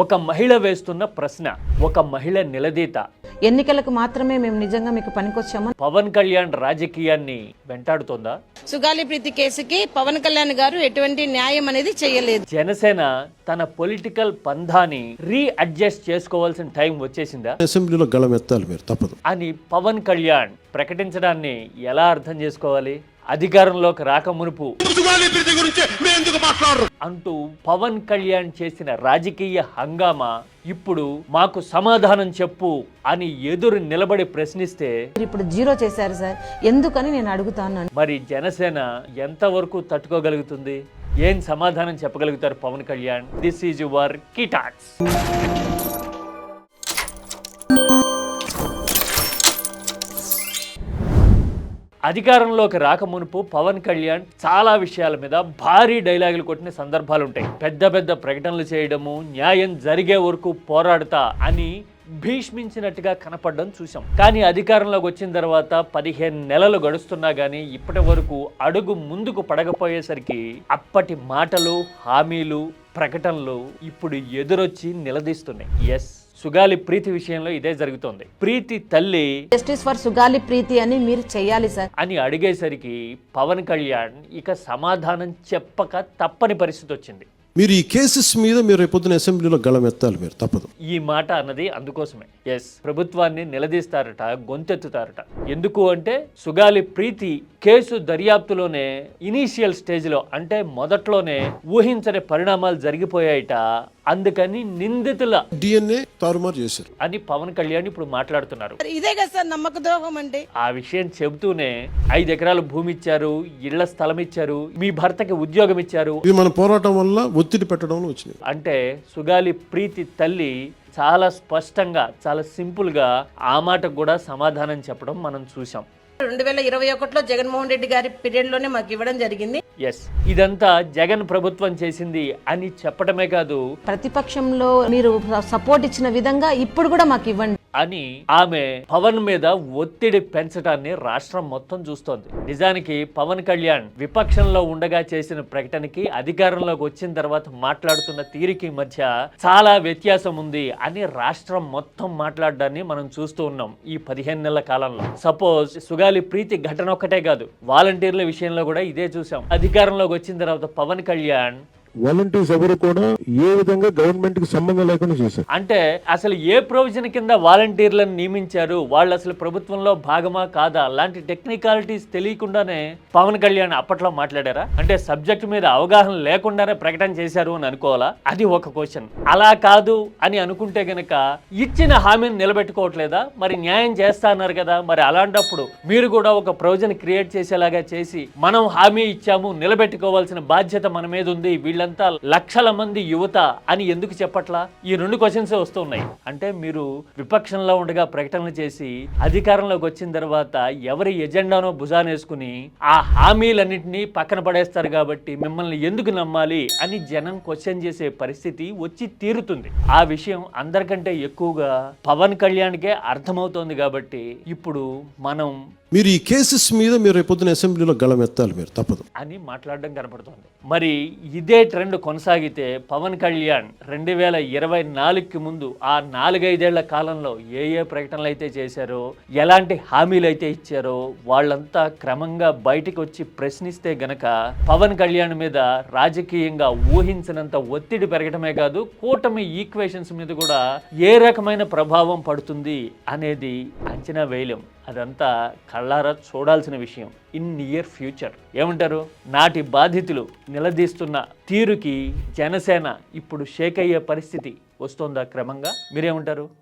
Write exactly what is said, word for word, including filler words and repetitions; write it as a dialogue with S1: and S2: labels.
S1: ఒక మహిళ వేస్తున్న ప్రశ్న, ఒక మహిళ నిలదీత.
S2: ఎన్నికలకు మాత్రమే మేము నిజంగా మీకు పనికొచ్చామని
S1: పవన్ కళ్యాణ్ రాజకీయాన్ని వెంటాడుతోందా?
S3: సుగాలి ప్రీతి కేసుకి పవన్ కళ్యాణ్ గారు ఎటువంటి న్యాయం అనేది చేయలేదు.
S1: జనసేన తన పొలిటికల్ పంధాని రీ అడ్జస్ట్ చేసుకోవాల్సిన టైం వచ్చేసిందా?
S4: అసెంబ్లీలో గళమెత్తాలి మీరు, తప్పదు
S1: అని పవన్ కళ్యాణ్ ప్రకటించడాన్ని ఎలా అర్థం చేసుకోవాలి? అధికారంలోకి రాక మునుపు అంటూ పవన్ కళ్యాణ్ చేసిన రాజకీయ హంగామా ఇప్పుడు మాకు సమాధానం చెప్పు అని ఎదురు నిలబడి ప్రశ్నిస్తే
S2: ఇప్పుడు జీరో చేశారు సార్, ఎందుకని నేను అడుగుతాను.
S1: మరి జనసేన ఎంతవరకు తట్టుకోగలుగుతుంది? ఏం సమాధానం చెప్పగలుగుతారు Pawan Kalyan? This is your key talks. అధికారంలోకి రాకమునుపు పవన్ కళ్యాణ్ చాలా విషయాల మీద భారీ డైలాగులు కొట్టిన సందర్భాలు ఉంటాయి. పెద్ద పెద్ద ప్రకటనలు చేయడము, న్యాయం జరిగే వరకు పోరాడతా అని భీష్మించినట్టుగా కనపడడం చూసాం. కానీ అధికారంలోకి వచ్చిన తర్వాత పదిహేను నెలలు గడుస్తున్నా గానీ ఇప్పటి వరకు అడుగు ముందుకు పడకపోయేసరికి అప్పటి మాటలు, హామీలు, ప్రకటనలు ఇప్పుడు ఎదురొచ్చి నిలదీస్తున్నాయి. ఎస్, సుగాలి ప్రీతి విషయంలో ఇదే జరుగుతోంది. ప్రీతి తల్లి
S2: జస్టిస్ ఫర్ సుగాలి ప్రీతి అని మీరు చేయాలి సార్
S1: అని అడిగేసరికి పవన్ కళ్యాణ్ ఇక సమాధానం చెప్పక తప్పని పరిస్థితి వచ్చింది.
S4: మీరు ఈ కేసెస్ మీద మీరు రేపొద్దున అసెంబ్లీలో గళమెత్తాలి మీరు, తప్పదు.
S1: ఈ మాట అన్నది అందుకోసమే. ఎస్, ప్రభుత్వాన్ని నిలదీస్తారట, గొంతెత్తుతారట. ఎందుకు అంటే సుగాలి ప్రీతి కేసు దర్యాప్తులోనే ఇనీషియల్ స్టేజ్ లో, అంటే మొదట్లోనే ఊహించని పరిణామాలు జరిగిపోయాయట. అందుకని నిందితుల
S4: డిఎన్ఏ తారుమారు చేశారు
S1: అని పవన్ కళ్యాణ్ ఇప్పుడు మాట్లాడుతున్నారు.
S3: ఇదే కదా సార్ నమ్మక ద్రోహం అంటే.
S1: ఆ విషయం చెబుతూనే ఐదు ఎకరాలు భూమి ఇచ్చారు, ఇళ్ల స్థలం ఇచ్చారు, మీ భర్తకి ఉద్యోగం ఇచ్చారు.
S4: ఇది మన పోరాటం వల్ల ఒత్తిడి పెట్టడం వచ్చింది.
S1: అంటే సుగాలి ప్రీతి తల్లి చాలా స్పష్టంగా, చాలా సింపుల్ గా ఆ మాటకు కూడా సమాధానం చెప్పడం మనం చూసాం.
S3: రెండు వేల ఇరవై ఒకటిలో జగన్మోహన్ రెడ్డి గారి పీరియడ్ లోనే మాకు ఇవ్వడం జరిగింది.
S1: ఎస్, ఇదంతా జగన్ ప్రభుత్వం చేసింది అని చెప్పడమే కాదు,
S2: ప్రతిపక్షంలో మీరు సపోర్ట్ ఇచ్చిన విధంగా ఇప్పుడు కూడా మాకు ఇవ్వండి
S1: అని ఆమె పవన్ మీద ఒత్తిడి పెంచడాన్ని రాష్ట్రం మొత్తం చూస్తోంది. నిజానికి పవన్ కళ్యాణ్ విపక్షంలో ఉండగా చేసిన ప్రకటనకి అధికారంలోకి వచ్చిన తర్వాత మాట్లాడుతున్న తీరికి మధ్య చాలా వ్యత్యాసం ఉంది అని రాష్ట్రం మొత్తం మాట్లాడడాన్ని మనం చూస్తూ ఉన్నాం ఈ పదిహేను నెలల కాలంలో. సపోజ్ సుగాలి ప్రీతి ఘటన ఒక్కటే కాదు, వాలంటీర్ల విషయంలో కూడా ఇదే చూసాం. అధికారంలోకి వచ్చిన తర్వాత పవన్ కళ్యాణ్
S5: వాలంటీర్స్ ఎవరు కూడా ఏ విధంగా గవర్నమెంట్ కి సంబంధం లేకుండా చేశారు.
S1: అంటే అసలు ఏ ప్రొవిజన్ కింద వాలంటీర్లను నియమించారు, వాళ్ళు అసలు ప్రభుత్వంలో భాగమా కాదా, అలాంటి టెక్నికాలిటీస్ తెలియకుండానే పవన్ కళ్యాణ్ అప్పట్లో మాట్లాడారా? అంటే సబ్జెక్ట్ మీద అవగాహన లేకుండానే ప్రకటన చేశారు అని అనుకోవాలా? అది ఒక క్వశ్చన్. అలా కాదు అని అనుకుంటే గనక ఇచ్చిన హామీని నిలబెట్టుకోవట్లేదా? మరి న్యాయం చేస్తా అన్నారు కదా, మరి అలాంటప్పుడు మీరు కూడా ఒక ప్రొవిజన్ క్రియేట్ చేసేలాగా చేసి మనం హామీ ఇచ్చాము, నిలబెట్టుకోవాల్సిన బాధ్యత మన మీద ఉంది, వీళ్ళంతా లక్షల మంది యువత అని ఎందుకు చెప్పట్లా? ఈ రెండు క్వశ్చన్స్ వస్తున్నాయి. అంటే మీరు విపక్షంలో ఉండగా ప్రకటనలు చేసి అధికారంలోకి వచ్చిన తర్వాత ఎవరి ఎజెండానో భుజానేసుకుని ఆ హామీలన్నింటినీ పక్కన పడేస్తారు కాబట్టి మిమ్మల్ని ఎందుకు నమ్మాలి అని జనం క్వశ్చన్ చేసే పరిస్థితి వచ్చి తీరుతుంది. ఆ విషయం అందరికంటే ఎక్కువగా పవన్ కళ్యాణ్కే అర్థమవుతోంది కాబట్టి ఇప్పుడు మనం
S4: మీరు ఈ కేసెస్ మీద మీరు రేపొద్దున అసెంబ్లీలో గళమెత్తాలి మీరు, తప్పదు
S1: అని మాట్లాడడం కనపడుతోంది. మరి ఇదే ట్రెండ్ కొనసాగితే పవన్ కళ్యాణ్ రెండు వేల ఇరవై నాలుగుకి ముందు ఆ నాలుగైదేళ్ల కాలంలో ఏ ఏ ప్రకటనలు అయితే చేశారో, ఎలాంటి హామీలు అయితే ఇచ్చారో వాళ్ళంతా క్రమంగా బయటికి వచ్చి ప్రశ్నిస్తే గనక పవన్ కళ్యాణ్ మీద రాజకీయంగా ఊహించినంత ఒత్తిడి పెరగటమే కాదు, కూటమి ఈక్వేషన్స్ మీద కూడా ఏ రకమైన ప్రభావం పడుతుంది అనేది అంచనా వేయలేం. అదంతా కళ్ళారా చూడాల్సిన విషయం ఇన్ నియర్ ఫ్యూచర్. ఏమంటారు? నాటి బాధితులు నిలదీస్తున్న తీరుకి జనసేన ఇప్పుడు షేక్ అయ్యే పరిస్థితి వస్తోందా క్రమంగా? మీరేమంటారు?